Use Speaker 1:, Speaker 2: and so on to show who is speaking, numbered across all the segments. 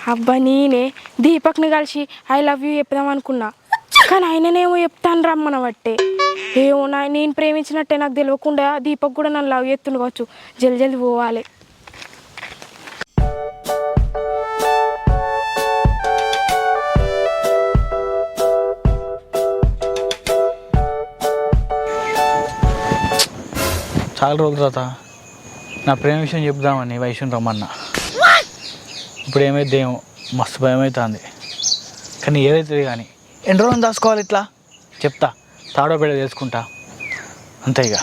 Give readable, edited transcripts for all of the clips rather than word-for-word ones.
Speaker 1: అబ్బా నేనే దీపక్ని కలిసి ఐ లవ్ యూ చెప్దాం అనుకున్నా, కానీ ఆయననేమో చెప్తాను రమ్మన బట్టే. ఏమో నేను ప్రేమించినట్టే నాకు తెలియకుండా దీపక్ కూడా నన్ను లవ్ చేస్తుండు కావచ్చు. జల్ది జల్ది పోవాలి.
Speaker 2: చాలా రోజుల తర్వాత నా ప్రేమ విషయం చెప్దామని వైష్ణవి రమ్మన్నా. ఇప్పుడు ఏమైతే ఏమో మస్తు భయం అవుతుంది. కానీ ఏదైతుంది కానీ ఎన్ని రోజులు దాచుకోవాలి ఇట్లా చెప్తా, తాడో బిడ్డ చేసుకుంటా అంతే ఇక.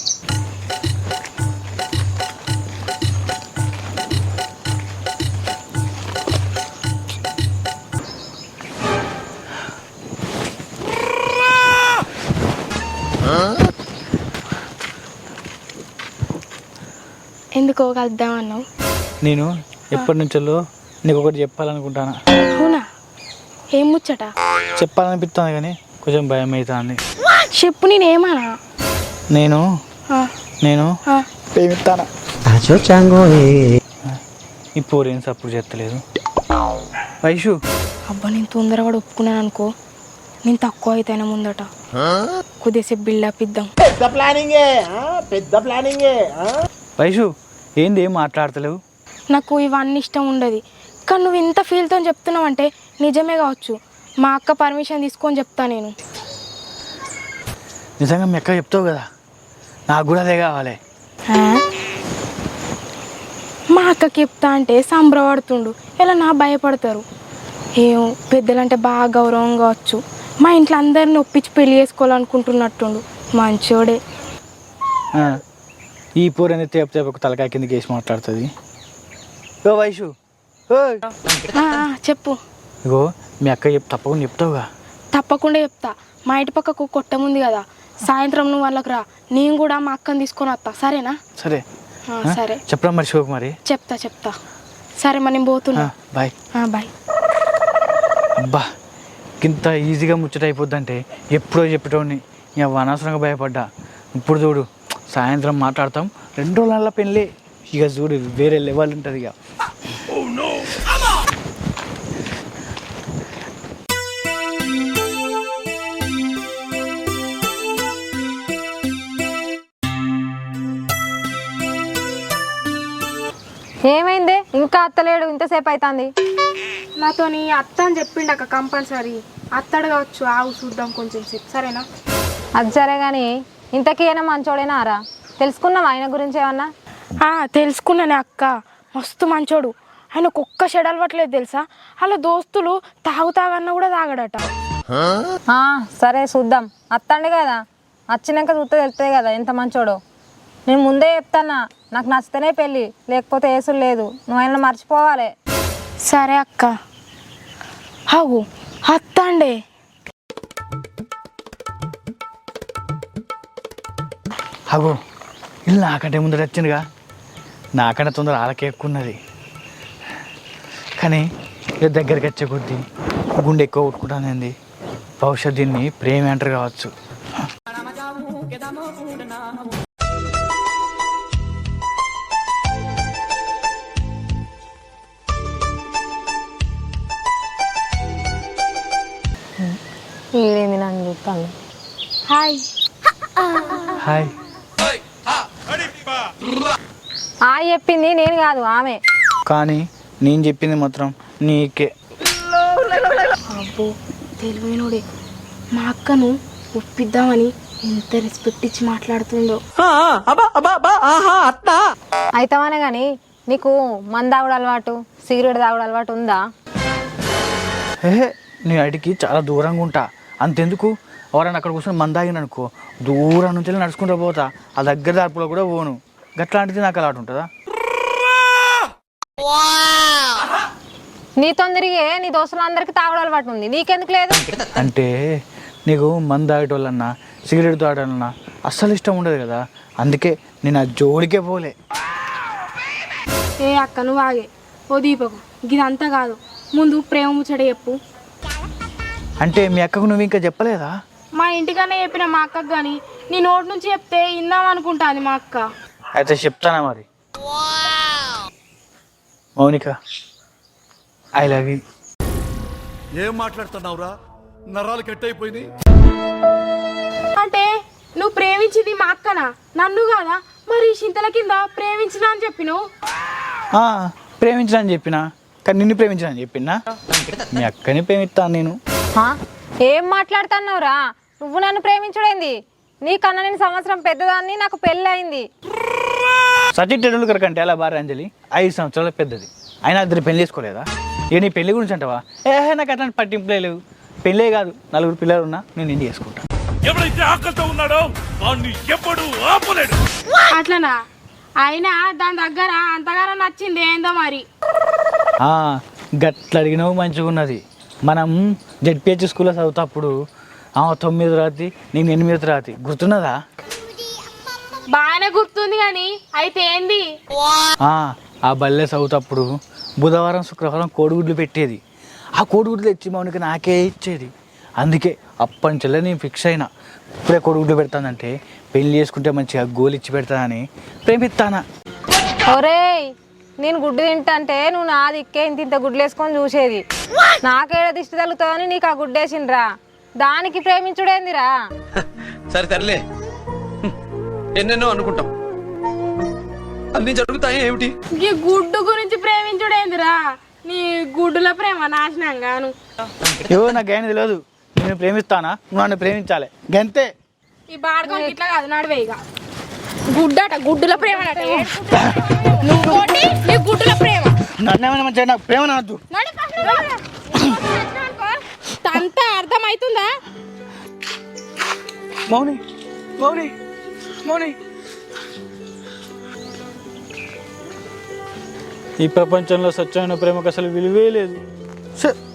Speaker 1: ఎందుకో కలుద్దామన్నావు?
Speaker 2: నేను ఎప్పటి నుంచో నీకు ఒకటి చెప్పాలనుకుంటాను.
Speaker 1: అవునా? ఏం ముచ్చట?
Speaker 2: చెప్పాలనిపిస్తుంది కానీ కొంచెం భయం అవుతుంది.
Speaker 1: చెప్పు. నేనేమన్నా?
Speaker 2: నేను ప్రేమిస్తాను. ఈ పోరేం సప్పుడు చేస్తలేదు వైషు.
Speaker 1: అబ్బా నేను తొందరగా ఒప్పుకున్నాను అనుకో, నేను తక్కువ అయితేనే ముందట. కొద్దిసేపు బిల్డప్ ఇద్దాం.
Speaker 3: పెద్ద ప్లానింగే.
Speaker 2: వైషు ఏంది ఏం మాట్లాడతలేవు?
Speaker 1: నాకు ఇవన్నీ ఇష్టం ఉండదు, కానీ నువ్వు ఇంత ఫీల్తో చెప్తున్నావు అంటే నిజమే కావచ్చు. మా అక్క పర్మిషన్ తీసుకొని చెప్తా. నేను
Speaker 2: నిజంగా మీ అక్క చెప్తావు కదా, నాకు కూడా అదే కావాలి.
Speaker 1: మా అక్కకి చెప్తా అంటే సంబరపడుతుండు, ఇలా నా భయపడతారు. ఏమో పెద్దలంటే బాగా గౌరవం కావచ్చు. మా ఇంట్లో అందరిని ఒప్పించి పెళ్లి చేసుకోవాలనుకుంటున్నట్టుండు. మంచోడే.
Speaker 2: ఈ పూర అనేది తేపు ఒక తలకాయ కిందకి వేసి మాట్లాడుతుంది. ఓ వైషు,
Speaker 1: చెప్పు.
Speaker 2: ఇగో మీ అక్క తప్పకుండా చెప్తావుగా?
Speaker 1: తప్పకుండా చెప్తా. మా ఇంటి పక్కకు కొట్టముంది కదా, సాయంత్రం నువ్వు వాళ్ళకి రా, నేను కూడా మా అక్కని తీసుకొని వస్తా. సరేనా?
Speaker 2: సరే
Speaker 1: సరే.
Speaker 2: చెప్పరా మరి శివకు? మరి
Speaker 1: చెప్తా. సరే మరి నేను పోతున్నా.
Speaker 2: బాయ్.
Speaker 1: బాయ్.
Speaker 2: అబ్బా ఇంత ఈజీగా ముచ్చట అయిపోద్దంటే ఎప్పుడో చెప్పేటోని ఇక అనవసరంగా భయపడ్డా. ఇప్పుడు చూడు సాయంత్రం మాట్లాడతాం, 2 రోజుల పెళ్ళి. ఇక చూడు వేరే లెవెల్ ఉంటుంది ఇక.
Speaker 4: ఏమైంది ఇంకా అత్తలేడు? ఇంతసేపు అవుతుంది.
Speaker 1: నాతోని అత్త అని చెప్పిండు అక్క. కంపల్సరీ అత్తడు కావచ్చు. ఆవు చూద్దాం కొంచెం సేపు. సరేనా?
Speaker 4: అది సరే కానీ ఇంతకీ అయినా మంచోడేనా రా? తెలుసుకున్నాం ఆయన గురించి ఏమన్నా?
Speaker 1: తెలుసుకున్నానే అక్క. మస్తు మంచోడు. ఆయనకు ఒక్క చెడు అలవట్లేదు తెలుసా. అలా దోస్తులు తాగుతాగన్నా కూడా తాగడట.
Speaker 4: సరే చూద్దాం. అత్తండి కదా, వచ్చినాక చూస్తే తెలుస్తుంది కదా ఎంత మంచోడో. నేను ముందే చెప్తానా, నాకు నచ్చితేనే పెళ్ళి, లేకపోతే ఏసులు లేదు. నువ్వు ఆయన మర్చిపోవాలి.
Speaker 1: సరే అక్క. అవు అత్తండే.
Speaker 2: అగో ఇల్లు నాకంటే ముందర వచ్చిందిగా, నాకంటే తొందర వాళ్ళకే ఎక్కువ ఉన్నది. కానీ ఇక దగ్గరికి వచ్చే కొద్దీ గుండె ఎక్కువ కొట్టుకుంటానండి. బహుశా దీన్ని ప్రేమ అంటారు కావచ్చు.
Speaker 4: ఏదేంది నన్ను చూస్తాను.
Speaker 1: హాయ్.
Speaker 2: హాయ్.
Speaker 4: చెప్పింది నేను కాదు, ఆమె.
Speaker 2: కానీ నేను చెప్పింది మాత్రం నీకే.
Speaker 1: అబ్బో తెలివైనోడే. మా అక్కను ఒప్పిద్దామని ఎంత రెస్పెక్ట్ ఇచ్చి మాట్లాడుతుందో.
Speaker 4: అయితేమనే కానీ నీకు మందు తాగుడు అలవాటు, సిగరెట్ తాగుడు అలవాటు ఉందా?
Speaker 2: నీ అడికి చాలా దూరంగా ఉంటా. అంతెందుకు, ఎవరైనా అక్కడ కూర్చొని మందాగిన అనుకో, దూరం నుంచి నడుచుకుంటూ పోతా. ఆ దగ్గర దార్పులో కూడా పోను. గట్లాంటిది నాకు అలవాటు ఉంటుందా?
Speaker 4: నీ తొందరగా నీ దోస్తులందరికీ తాగుడు అలవాటు ఉంది, నీకెందుకు లేదు?
Speaker 2: అంటే నీకు మందు తాగేటోళ్ళన్నా సిగరెట్ తాగడాలన్నా అస్సలు ఇష్టం ఉండదు కదా, అందుకే నేను ఆ జోలికే పోలే.
Speaker 1: అక్క నువ్వు ఆగే. ఓ దీపకు ఇదంతా కాదు, ముందు ప్రేమ ముచ్చట చెప్పు.
Speaker 2: అంటే మీ అక్కకు నువ్వు ఇంకా చెప్పలేదా?
Speaker 1: మా ఇంటికనే చెప్పిన మా అక్కకు, కానీ నీ నోటి నుంచి చెప్తే ఇందాం అనుకుంటాను మా అక్క.
Speaker 2: అయితే చెప్తానా మరి. Mounika I love you.
Speaker 5: ఏం మాట్లాడుతున్నావురా? నరాలు కట్ అయిపోయింది.
Speaker 1: అంటే నువ్వు ప్రేమించింది మా అక్కనా, నన్ను కాదా? మరి చింతల కింద ప్రేమించినా అని చెప్పినావు.
Speaker 2: ప్రేమించిన అని చెప్పినా, కానీ నిన్ను ప్రేమించిన అని చెప్పినా. మీ అక్కని ప్రేమిస్తాను నేను.
Speaker 4: హా? ఏం మాట్లాడుతున్నావురా? నువ్వు నన్ను ప్రేమించుడేంది? నీకన్నా నేను సంవత్సరం పెద్దదాన్ని, నాకు పెళ్ళి అయింది.
Speaker 2: సచిన్ టెండూల్కర్ కంటే అలా భార్య అంజలి 5 సంవత్సరాల పెద్దది. అయినా ఇద్దరు పెళ్లి చేసుకోలేదా? ఏ నీ పెళ్లి గురించి అంటావా? నాకు అట్లాంటి పట్టింపులే లేవు. పెళ్ళే కాదు, 4 పిల్లలు ఉన్నా నేను నిన్ను చేసుకుంటా.
Speaker 5: ఎవరైతే ఆకలితో ఉన్నాడో వాడిని ఎప్పుడు ఆపలేడు.
Speaker 1: అట్లనా? అయినా దాని దగ్గర అంతగానో నచ్చింది ఏందో మరి.
Speaker 2: గట్ల అడిగినావు, మంచిగా ఉన్నది. మనం జెడ్పిహెచ్ స్కూల్లో చదువుతప్పుడు 9వ తరగతి, నేను 8వ తరగతి. గుర్తున్నదా?
Speaker 1: బాగానే గుర్తుంది కానీ అయితే ఏంది?
Speaker 2: ఆ బల్లె చదువుతప్పుడు బుధవారం శుక్రవారం కోడిగుడ్లు పెట్టేది. ఆ కోడిగుడ్లు తెచ్చి మౌనికి నాకే ఇచ్చేది. అందుకే అప్పటి నుంచి నేను ఫిక్స్ అయినా, ఇప్పుడే కోడిగుడ్లు పెడతానంటే పెళ్లి చేసుకుంటే మంచిగా గోలు ఇచ్చి పెడతానని ప్రేమిస్తానా.
Speaker 4: ఒరేయ్, నేను గుడ్డు తింటా అంటే నువ్వు నా దిక్కే ఇంత గుడ్లు వేసుకొని చూసేది. నాకేడ దిష్టి తగులుతుందని నీకు ఆ గుడ్డేసిండ్రా. దానికి ప్రేమించుడేందిరా?
Speaker 6: సరే తరలే, ఎన్నెన్నో అనుకుంటాం, అన్ని జరుగుతాయి ఏమిటి?
Speaker 1: ఈ గుడ్డు గురించి ప్రేమించుడేందిరా? నీ గుడ్డుల ప్రేమ నాశనం గాను.
Speaker 2: నాకేం తెలియదు. నేను ప్రేమిస్తానా, నువ్వు నన్ను ప్రేమించాలి, గంతే.
Speaker 1: ఈ బాడకం ఇట్లా కాదు, నడివే ఇక. గుడ్డట, గుడ్డుల ప్రేమ అట. నువ్వు నీ గుడ్డుల ప్రేమ.
Speaker 2: నన్నేమైనా మంచిగా నాకు ప్రేమ నవ్వద్దు.
Speaker 1: అంతా అర్థమవుతుందా?
Speaker 2: మౌని మౌని మౌని, ఈ ప్రపంచంలో స్వచ్ఛమైన ప్రేమకు అసలు విలువే లేదు.